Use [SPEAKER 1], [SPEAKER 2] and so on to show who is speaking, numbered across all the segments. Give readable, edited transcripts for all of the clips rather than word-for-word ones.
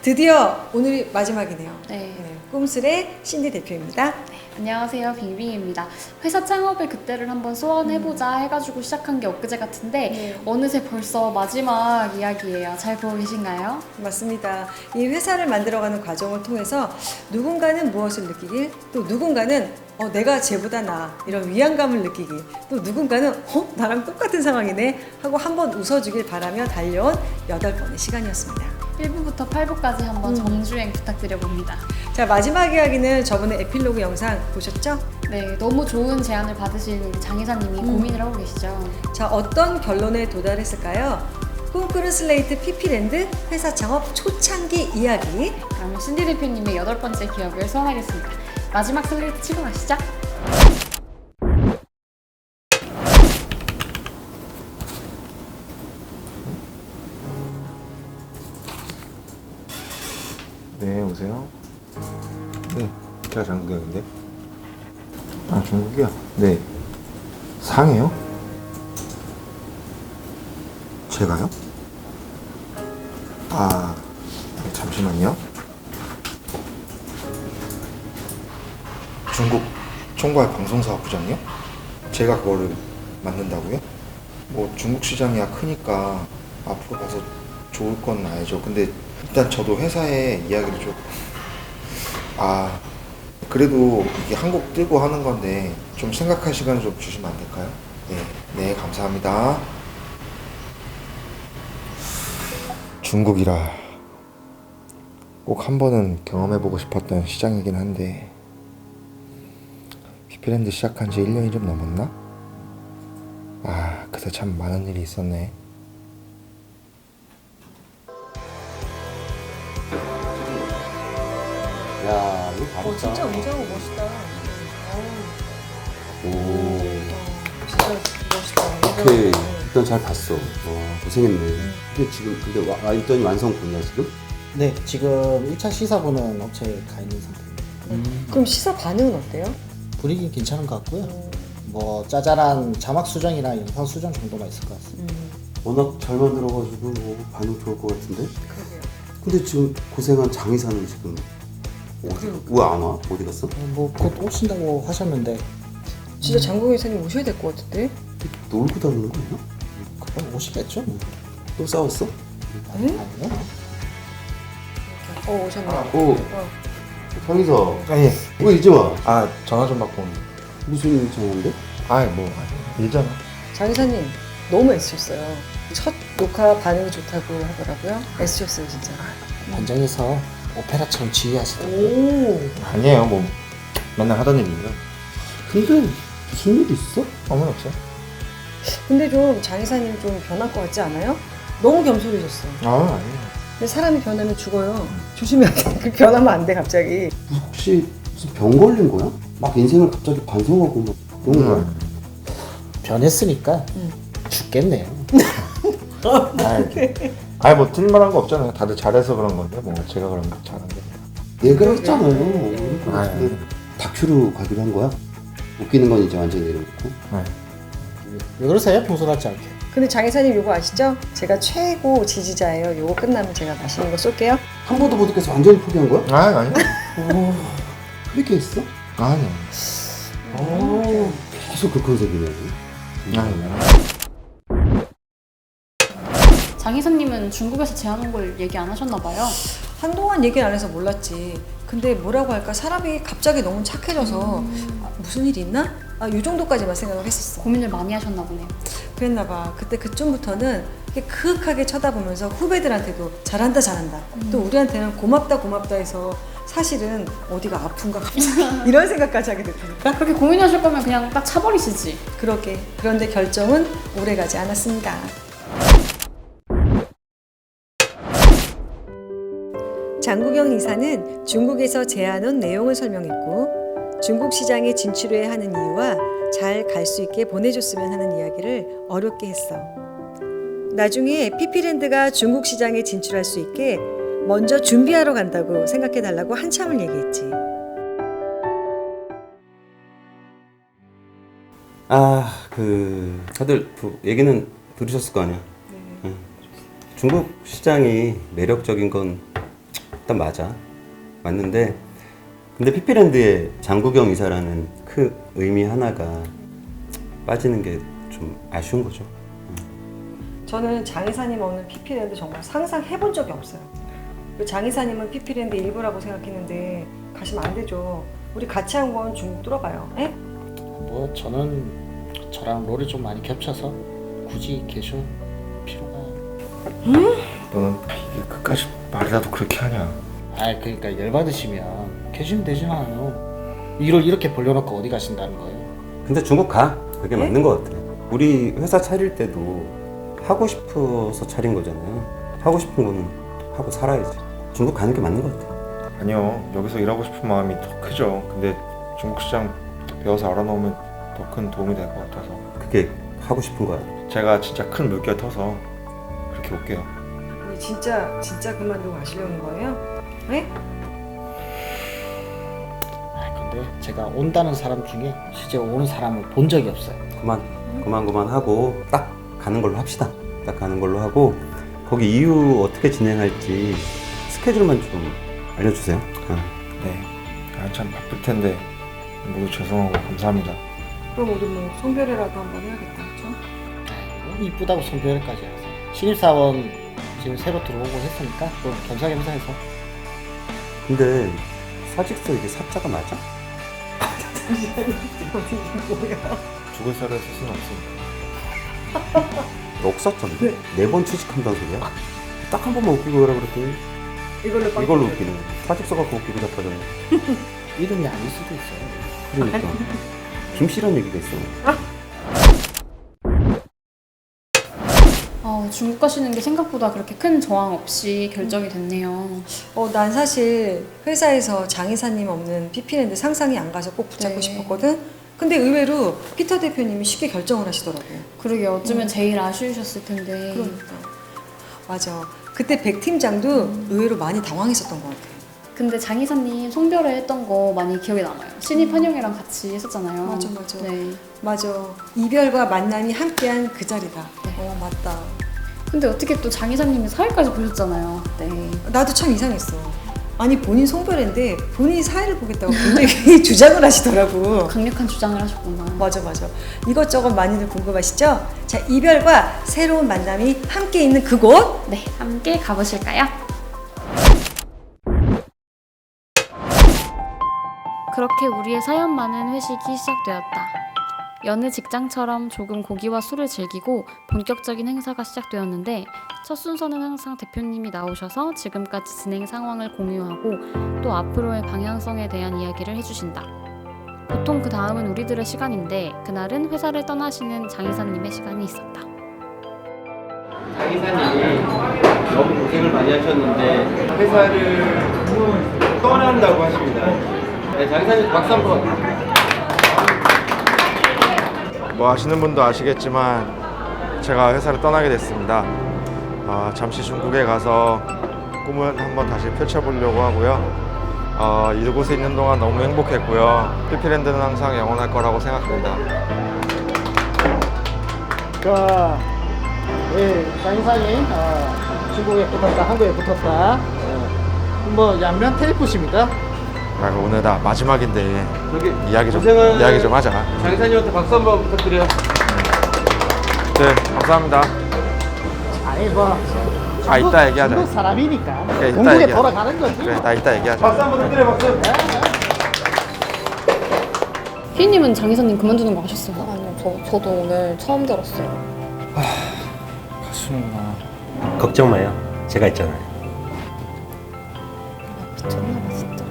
[SPEAKER 1] 드디어 오늘이 마지막이네요.
[SPEAKER 2] 네.
[SPEAKER 1] 꿈술의 신디 대표입니다.
[SPEAKER 2] 안녕하세요, 빙빙입니다. 회사 창업을 그때를 한번 소원해보자 해가지고 시작한 게 엊그제 같은데 어느새 벌써 마지막 이야기예요. 잘 보고 계신가요?
[SPEAKER 1] 맞습니다. 이 회사를 만들어가는 과정을 통해서 누군가는 무엇을 느끼길, 또 누군가는 내가 쟤보다 나아 이런 위안감을 느끼길, 또 누군가는 나랑 똑같은 상황이네 하고 한번 웃어주길 바라며 달려온 8번의 시간이었습니다.
[SPEAKER 2] 1부부터 8부까지 한번 정주행 부탁드려봅니다.
[SPEAKER 1] 자, 마지막 이야기는 저번에 에필로그 영상 보셨죠?
[SPEAKER 2] 네, 너무 좋은 제안을 받으신 우리 장 이사님이 고민을 하고 계시죠.
[SPEAKER 1] 자, 어떤 결론에 도달했을까요? 꿈꾸는 슬레이트 피피랜드 회사 창업 초창기 이야기.
[SPEAKER 2] 그러면 신디 대표님의 8번째 기억을 소환하겠습니다. 마지막 슬레이트 치고 가시죠.
[SPEAKER 3] 네, 오세요. 네, 제가 장국영인데. 아, 중국이요? 네. 상해요? 제가요? 아, 잠시만요. 중국 총괄 방송사업 부장이요? 제가 그거를 맡는다고요? 뭐 중국 시장이야 크니까 앞으로 가서 좋을 건 알죠. 근데 일단 저도 회사에 이야기를 좀 그래도 이게 한국 뜨고 하는 건데 좀 생각할 시간을 좀 주시면 안 될까요? 네, 감사합니다. 중국이라 꼭 한 번은 경험해보고 싶었던 시장이긴 한데 피피랜드 시작한 지 1년이 좀 넘었나? 그때 참 많은 일이 있었네.
[SPEAKER 4] 야, 이거 바로
[SPEAKER 1] 진짜 웅장하고 멋있다.
[SPEAKER 4] 오,
[SPEAKER 1] 진짜 멋있다.
[SPEAKER 4] 오케이. 일단 잘 봤어. 고생했네. 근데 지금 완전히 완성본이야 지금?
[SPEAKER 5] 네, 지금 1차 시사부는 업체에 가 있는 상태입니다.
[SPEAKER 1] 그럼 시사 반응은 어때요?
[SPEAKER 5] 분위기 괜찮은 것 같고요. 뭐 짜잘한 자막 수정이나 영상 수정 정도만 있을 것 같습니다.
[SPEAKER 4] 워낙 잘 만들어가지고 뭐 반응 좋을 것 같은데?
[SPEAKER 1] 그러게요.
[SPEAKER 4] 근데 지금 고생한 장 이사는 지금 왜 안 와? 어디 갔어?
[SPEAKER 5] 뭐 곧 오신다고 하셨는데
[SPEAKER 1] 진짜 장국 회사님 오셔야 될 것 같은데?
[SPEAKER 4] 놀고 다니는 거 아니야?
[SPEAKER 5] 그럼 오시겠죠? 뭐.
[SPEAKER 4] 또 싸웠어?
[SPEAKER 5] 아니요.
[SPEAKER 1] 오셨네.
[SPEAKER 4] 오, 장 이사.
[SPEAKER 3] 예.
[SPEAKER 4] 왜 이제 와?
[SPEAKER 3] 전화 좀 받고 온다.
[SPEAKER 4] 무슨 전화인데?
[SPEAKER 3] 일잖아.
[SPEAKER 1] 장 이사님 너무 애쓰셨어요. 첫 녹화 반응이 좋다고 하더라고요. 애쓰셨어요 진짜.
[SPEAKER 5] 현장에서 오페라처럼 지휘하시더라고요.
[SPEAKER 3] 아니에요, 뭐. 맨날 하던 일이에요.
[SPEAKER 4] 근데 무슨 일 있어?
[SPEAKER 3] 아무는 없어요.
[SPEAKER 1] 근데 좀 장 이사님 좀 변할 것 같지 않아요? 너무 겸손해졌어.
[SPEAKER 3] 아니에요.
[SPEAKER 1] 근데 사람이 변하면 죽어요. 조심해야 돼. 그 변하면 안 돼 갑자기.
[SPEAKER 4] 혹시 무슨 병 걸린 거야? 막 인생을 갑자기 반성하고 막 그런 거야?
[SPEAKER 5] 변했으니까 죽겠네요.
[SPEAKER 3] 뭐 틀릴만한 거 없잖아요. 다들 잘해서 그런 건데, 뭐 제가 그런 거 잘한 게.
[SPEAKER 4] 얘가 했잖아요.
[SPEAKER 3] 아유.
[SPEAKER 4] 근데 다큐로 가기로 한 거야? 웃기는 건 이제 완전히 내려놓고.
[SPEAKER 5] 왜 그러세요? 평소 같지 않게.
[SPEAKER 1] 근데 장 이사님 요거 아시죠? 제가 최고 지지자예요. 요거 끝나면 제가 맛있는 거 쏠게요.
[SPEAKER 4] 한 번도 못 듣겠어. 완전히 포기한 거야?
[SPEAKER 3] 아니요.
[SPEAKER 4] 그렇게 했어?
[SPEAKER 3] 아니요.
[SPEAKER 4] 계속 그 컨셉이네.
[SPEAKER 2] 장 이사님은 중국에서 제안 온 걸 얘기 안 하셨나 봐요.
[SPEAKER 1] 한동안 얘기를 안 해서 몰랐지. 근데 뭐라고 할까? 사람이 갑자기 너무 착해져서 무슨 일이 있나? 이 정도까지만 생각을 했었어.
[SPEAKER 2] 고민을 많이 하셨나 보네요.
[SPEAKER 1] 그랬나 봐. 그때 그쯤부터는 이렇게 그윽하게 쳐다보면서 후배들한테도 잘한다 잘한다. 또 우리한테는 고맙다 고맙다 해서 사실은 어디가 아픈가 갑자기 이런 생각까지 하게 됐다니까.
[SPEAKER 2] 그렇게 고민하실 거면 그냥 딱 차버리시지.
[SPEAKER 1] 그러게. 그런데 결정은 오래가지 않았습니다. 장국영 이사는 중국에서 제안 온 내용을 설명했고 중국 시장에 진출해야 하는 이유와 잘 갈 수 있게 보내줬으면 하는 이야기를 어렵게 했어. 나중에 피피랜드가 중국 시장에 진출할 수 있게 먼저 준비하러 간다고 생각해달라고 한참을 얘기했지.
[SPEAKER 4] 다들 얘기는 들으셨을 거 아니야? 응. 중국 시장이 매력적인 건 일단 맞아. 맞는데 근데 피피랜드의 장국영 이사라는 그 의미 하나가 빠지는 게 좀 아쉬운 거죠.
[SPEAKER 1] 저는 장 이사님 없는 피피랜드 정말 상상해본 적이 없어요. 장 이사님은 피피랜드 일부라고 생각했는데 가시면 안 되죠. 우리 같이 한 건 중국 뚫어봐요. 에?
[SPEAKER 5] 뭐 저는 저랑 롤이 좀 많이 겹쳐서 굳이 계실 필요가.
[SPEAKER 3] 너는 이게 끝까지 말이라도 그렇게 하냐?
[SPEAKER 5] 아 그러니까 열받으시면 계시면 되잖아요. 일을 이렇게 벌려놓고 어디 가신다는 거예요?
[SPEAKER 4] 근데 중국 가. 그게
[SPEAKER 1] 네?
[SPEAKER 4] 맞는 것 같아. 우리 회사 차릴 때도 하고 싶어서 차린 거잖아요. 하고 싶은 거는 하고 살아야지. 중국 가는 게 맞는 것 같아.
[SPEAKER 3] 아니요, 여기서 일하고 싶은 마음이 더 크죠. 근데 중국 시장 배워서 알아놓으면 더 큰 도움이 될 것 같아서
[SPEAKER 4] 그게 하고 싶은 거야.
[SPEAKER 3] 제가 진짜 큰 물결 터서 그렇게 올게요.
[SPEAKER 1] 우리 진짜 그만두고 가시려는 거예요? 에?
[SPEAKER 5] 아 근데 제가 온다는 사람 중에 실제 오는 사람을 본 적이 없어요.
[SPEAKER 4] 그만 하고 딱 가는 걸로 합시다. 딱 가는 걸로 하고 거기 이후 어떻게 진행할지 스케줄만 좀 알려주세요.
[SPEAKER 3] 네, 한참 바쁠 텐데 모두 죄송하고 감사합니다.
[SPEAKER 1] 그럼 우리 뭐 송별회라도 한번 해야겠다. 그렇죠?
[SPEAKER 5] 뭐 이쁘다고 성별까지 하세요. 신입사원 지금 새로 들어오고 했으니까 또 겸사겸사해서.
[SPEAKER 4] 근데 사직서 이게 사자가 맞아?
[SPEAKER 3] 죽을 살을 쓸 수는 없으니까.
[SPEAKER 4] 억사점인데? 4번 취직한다는 소리야? 딱 한 번만 웃기고 가라 그랬더니 이걸로 웃기는 거야. 사직서 갖고 웃기고 자빠졌네.
[SPEAKER 5] 이름이 아닐 수도 있어요.
[SPEAKER 4] 그러니까 김씨란 얘기가 있어.
[SPEAKER 2] 중국 가시는 게 생각보다 그렇게 큰 저항 없이 결정이 됐네요.
[SPEAKER 1] 난 사실 회사에서 장 이사님 없는 피피랜드 상상이 안 가서 꼭 붙잡고
[SPEAKER 2] 네.
[SPEAKER 1] 싶었거든. 근데 의외로 피터 대표님이 쉽게 결정을 하시더라고요.
[SPEAKER 2] 그러게 어쩌면 제일 아쉬우셨을 텐데.
[SPEAKER 1] 그러니까 맞아. 그때 백 팀장도 의외로 많이 당황했었던 것 같아요.
[SPEAKER 2] 근데 장 이사님 송별회 했던 거 많이 기억에 남아요. 신입 환영회랑 같이 했었잖아요.
[SPEAKER 1] 맞아.
[SPEAKER 2] 네.
[SPEAKER 1] 맞아. 이별과 만남이 함께한 그 자리다. 맞다.
[SPEAKER 2] 근데 어떻게 또 장 이사님이 사회까지 보셨잖아요. 네.
[SPEAKER 1] 나도 참 이상했어. 아니 본인 송별회인데 본인이 사회를 보겠다고 굉장히 주장을 하시더라고.
[SPEAKER 2] 강력한 주장을 하셨구나.
[SPEAKER 1] 맞아. 이것저것 많이들 궁금하시죠? 자, 이별과 새로운 만남이 함께 있는 그곳.
[SPEAKER 2] 네, 함께 가보실까요? 그렇게 우리의 사연 많은 회식이 시작되었다. 여느 직장처럼 조금 고기와 술을 즐기고 본격적인 행사가 시작되었는데 첫 순서는 항상 대표님이 나오셔서 지금까지 진행 상황을 공유하고 또 앞으로의 방향성에 대한 이야기를 해주신다. 보통 그 다음은 우리들의 시간인데 그날은 회사를 떠나시는 장 이사님의 시간이 있었다.
[SPEAKER 6] 장 이사님이 너무 고생을 많이 하셨는데 회사를 떠난다고 하십니다. 네, 장 이사님 박수 한번.
[SPEAKER 3] 뭐 아시는 분도 아시겠지만 제가 회사를 떠나게 됐습니다. 잠시 중국에 가서 꿈을 한번 다시 펼쳐보려고 하고요. 이곳에 있는 동안 너무 행복했고요. 피피랜드는 항상 영원할 거라고 생각합니다.
[SPEAKER 5] 장 이사님 중국에 붙었다, 한국에 붙었다. 뭐 양면 테이프십니다.
[SPEAKER 3] 오늘 나 마지막인데
[SPEAKER 6] 저기
[SPEAKER 3] 이야기 좀 하자.
[SPEAKER 6] 장 이사님한테 박수 한번 부탁드려요.
[SPEAKER 3] 네, 감사합니다.
[SPEAKER 5] 아니 뭐
[SPEAKER 3] 이따 얘기하자.
[SPEAKER 5] 중국 사람이니까
[SPEAKER 3] 그래, 이따
[SPEAKER 5] 중국에
[SPEAKER 3] 얘기하자.
[SPEAKER 5] 돌아가는 거지.
[SPEAKER 3] 그래, 나 이따 얘기하자.
[SPEAKER 6] 박수 한번 부탁드려요. 박수.
[SPEAKER 2] 피디님은 장 이사님 그만두는 거 아셨어요?
[SPEAKER 7] 아니요, 저도 오늘 처음 들었어요.
[SPEAKER 5] 가시는구나.
[SPEAKER 8] 걱정 마요. 제가 있잖아요.
[SPEAKER 7] 미쳤나봐 진짜.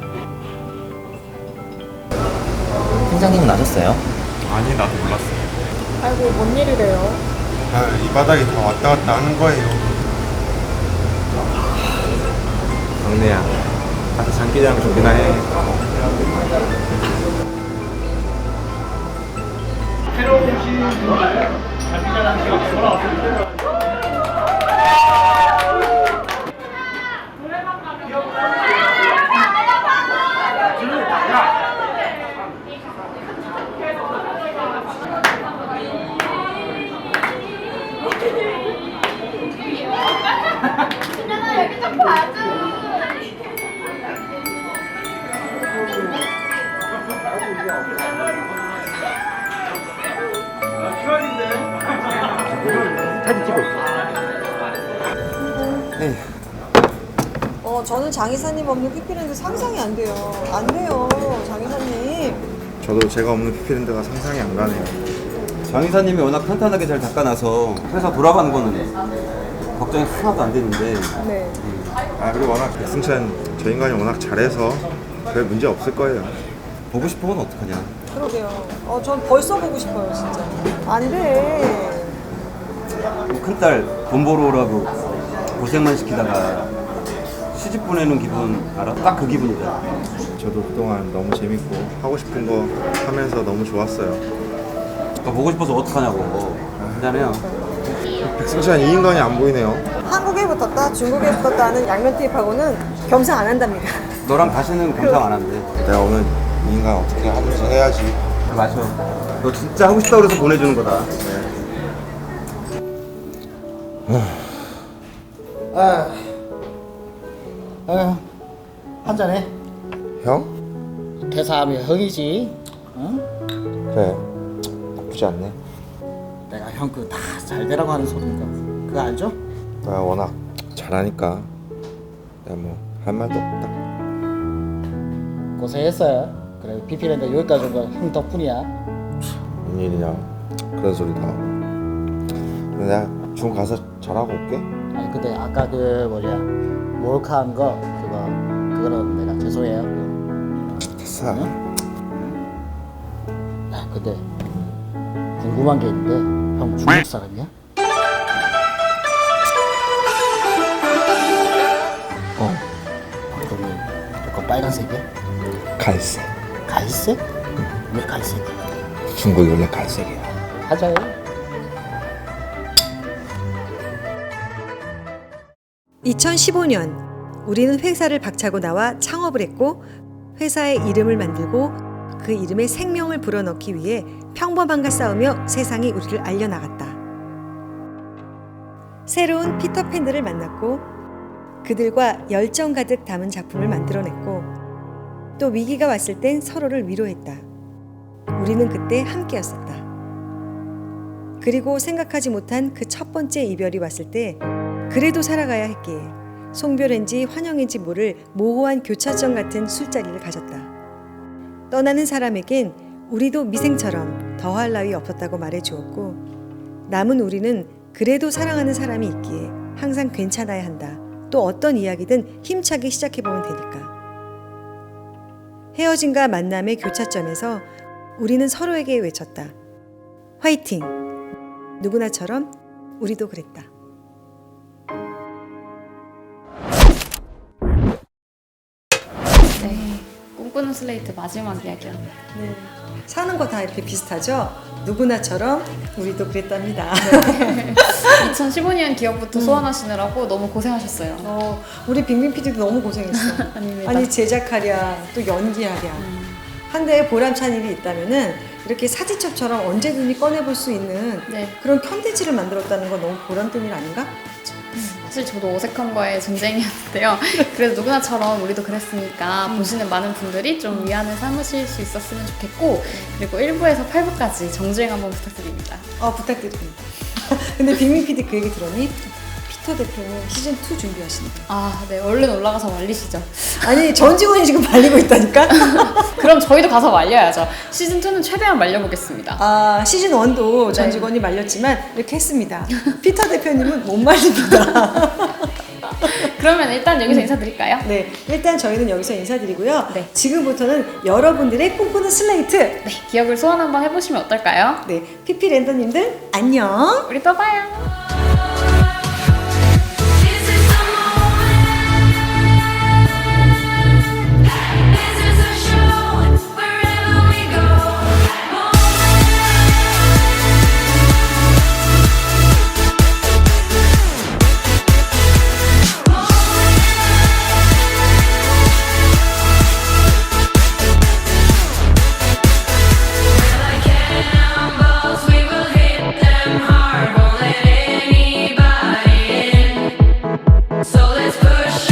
[SPEAKER 9] 팀장님은 아셨어요?
[SPEAKER 3] 아니, 나도 몰랐어.
[SPEAKER 7] 아이고 뭔 일이래요?
[SPEAKER 3] 이 바닥이 다 왔다 갔다 하는 거예요. 막내야, 가서 장기자랑 좀이나 해.
[SPEAKER 1] 장 이사님 없는 피피랜드 상상이 안 돼요. 안 돼요, 장 이사님.
[SPEAKER 3] 저도 제가 없는 피피랜드가 상상이 안 가네요.
[SPEAKER 4] 장 이사님이 워낙 탄탄하게 잘 닦아놔서 회사 돌아가는 거는 걱정이 하나도 안 되는데
[SPEAKER 1] 네.
[SPEAKER 3] 아 그리고 워낙 승찬 저 인간이 워낙 잘해서 별 문제 없을 거예요.
[SPEAKER 4] 보고 싶은 건 어떡하냐.
[SPEAKER 1] 그러게요. 전 벌써 보고 싶어요, 진짜. 안 돼.
[SPEAKER 4] 큰딸 돈 벌어 오라고 고생만 시키다가 시집 보내는 기분 알아? 딱 그 기분이다.
[SPEAKER 3] 저도 그동안 너무 재밌고 하고 싶은 거 하면서 너무 좋았어요.
[SPEAKER 4] 보고 싶어서 어떡하냐고. 미안해요.
[SPEAKER 3] 백승찬 이 인간이 안 보이네요.
[SPEAKER 1] 한국에 붙었다, 중국에 붙었다 하는 양면 테이프하고는 겸상 안 한답니다.
[SPEAKER 4] 너랑 다시는 감상 안 한대.
[SPEAKER 3] 내가 오늘 이 인간 어떻게 하든지 해야지.
[SPEAKER 4] 맞아. 너 진짜 하고 싶다 그래서 보내주는 거다.
[SPEAKER 5] 한잔해.
[SPEAKER 3] 형?
[SPEAKER 5] 대사하면 형이지. 응?
[SPEAKER 3] 그래. 나쁘지 않네.
[SPEAKER 5] 내가 형 그 다 잘 되라고 하는 소리니까 그거 알죠?
[SPEAKER 3] 내가 워낙 잘하니까 내가 뭐 할 말도 없다.
[SPEAKER 5] 고생했어요. 그래 피피랜드 여기까지 온 건 형 덕분이야.
[SPEAKER 3] 웬일이냐 그런 소리도 하고. 근데 내가 중 가서 잘하고 올게.
[SPEAKER 5] 아니 근데 아까 그 뭐냐 몰카한 거 그거는 내가 죄송해요.
[SPEAKER 3] 됐어.
[SPEAKER 5] 야 근데 궁금한 게 있는데 형 중국 사람이야? 그러면 약간 빨간색이야?
[SPEAKER 3] 갈색.
[SPEAKER 5] 갈색? 왜 갈색이야?
[SPEAKER 3] 중국이 원래 갈색이야.
[SPEAKER 5] 하자요.
[SPEAKER 1] (2015년) 우리는 회사를 박차고 나와 창업을 했고 회사의 이름을 만들고 그 이름에 생명을 불어넣기 위해 평범함과 싸우며 세상이 우리를 알려나갔다. 새로운 피터팬들을 만났고 그들과 열정 가득 담은 작품을 만들어냈고 또 위기가 왔을 땐 서로를 위로했다. 우리는 그때 함께였었다. 그리고 생각하지 못한 그 첫 번째 이별이 왔을 때 그래도 살아가야 했기에 송별인지 환영인지 모를 모호한 교차점 같은 술자리를 가졌다. 떠나는 사람에겐 우리도 미생처럼 더할 나위 없었다고 말해주었고 남은 우리는 그래도 사랑하는 사람이 있기에 항상 괜찮아야 한다. 또 어떤 이야기든 힘차게 시작해보면 되니까. 헤어짐과 만남의 교차점에서 우리는 서로에게 외쳤다. 화이팅! 누구나처럼 우리도 그랬다.
[SPEAKER 2] 네. 꿈꾸는 슬레이트 마지막 이야기였네요.
[SPEAKER 1] 네. 사는 거 다 이렇게 비슷하죠? 누구나처럼 우리도 그랬답니다.
[SPEAKER 2] 2015년 기억부터 소환하시느라고 너무 고생하셨어요.
[SPEAKER 1] 우리 빅민 PD도 너무 고생했어.
[SPEAKER 2] 아닙니다.
[SPEAKER 1] 아니 제작하랴 또 연기하랴 한 대에 보람찬 일이 있다면은 이렇게 사진첩처럼 언제든지 꺼내볼 수 있는
[SPEAKER 2] 네.
[SPEAKER 1] 그런 컨텐츠를 만들었다는 건 너무 보람된 일 아닌가?
[SPEAKER 2] 사실 저도 어색함과의 전쟁이었는데요. 그래도 누구나처럼 우리도 그랬으니까 보시는 많은 분들이 좀 위안을 삼으실 수 있었으면 좋겠고 그리고 1부에서 8부까지 정주행 한번 부탁드립니다.
[SPEAKER 1] 부탁드립니다. 근데 빅민 PD 그 얘기 들었니? 피터 대표는 시즌2 준비하신다.
[SPEAKER 2] 아, 네. 얼른 올라가서 말리시죠.
[SPEAKER 1] 아니 전 직원이 지금 말리고 있다니까?
[SPEAKER 2] 그럼 저희도 가서 말려야죠. 시즌2는 최대한 말려보겠습니다.
[SPEAKER 1] 시즌1도 전
[SPEAKER 2] 네.
[SPEAKER 1] 직원이 말렸지만 이렇게 했습니다. 피터 대표님은 못 말립니다.
[SPEAKER 2] 그러면 일단 여기서 인사드릴까요?
[SPEAKER 1] 네, 일단 저희는 여기서 인사드리고요.
[SPEAKER 2] 네.
[SPEAKER 1] 지금부터는 여러분들의 꿈꾸는 슬레이트.
[SPEAKER 2] 네. 기억을 소환 한번 해보시면 어떨까요?
[SPEAKER 1] 네, 피피 랜더님들 안녕.
[SPEAKER 2] 우리 또 봐요.
[SPEAKER 10] So let's push